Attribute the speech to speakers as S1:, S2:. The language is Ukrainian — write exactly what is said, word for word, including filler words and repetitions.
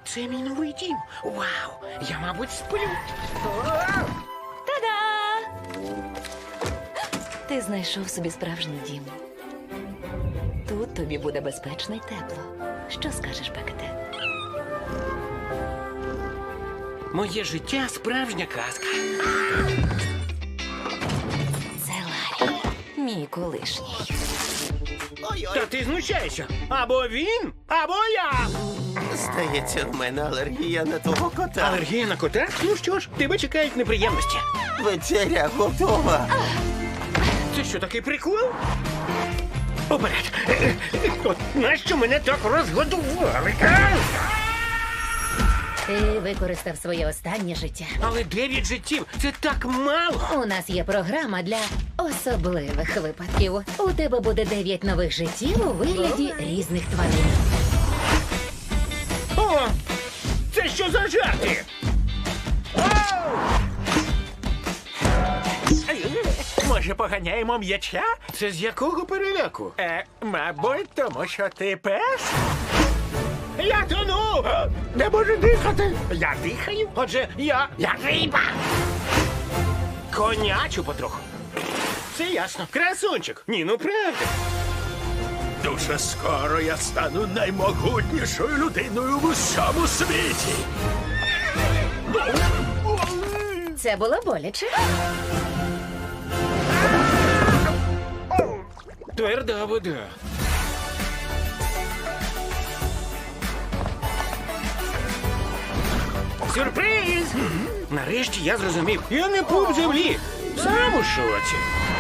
S1: Це мій новий дім. Вау! Я, мабуть, сплю.
S2: Та-да! Ти знайшов собі справжній дім. Тут тобі буде безпечно й тепло. Що скажеш, Бекете?
S1: Моє життя справжня казка.
S2: Це Ларі, мій колишній.
S1: Та ти знущаєшся. Або він, або я.
S3: Здається, в мене алергія на того кота.
S1: Алергія на кота? Ну що ж, тебе чекають неприємності.
S3: Вечеря готова.
S1: Це що, такий прикол? Уперед. От нащо мене так розгодували? а?
S4: Ти використав своє останнє життя.
S1: Але дев'ять життів – це так мало.
S4: У нас є програма для особливих випадків. У тебе буде дев'ять нових життів у вигляді різних тварин.
S1: О, це що за жарти?
S5: Може, поганяємо м'яча?
S1: Це з якого переляку?
S5: Е, мабуть, тому що ти пес?
S1: Я тону!
S5: Не можу дихати. Я дихаю.
S1: Отже, я
S5: Я риба.
S1: конячу потроху. Це ясно. Красунчик. Ні, ну правда.
S5: Дуже скоро я стану наймогутнішою людиною в усьому світі.
S4: Це було боляче.
S1: Тверда вода. Сюрприз! Нарешті я зрозумів. Я не пуп землі. Сам у шоці.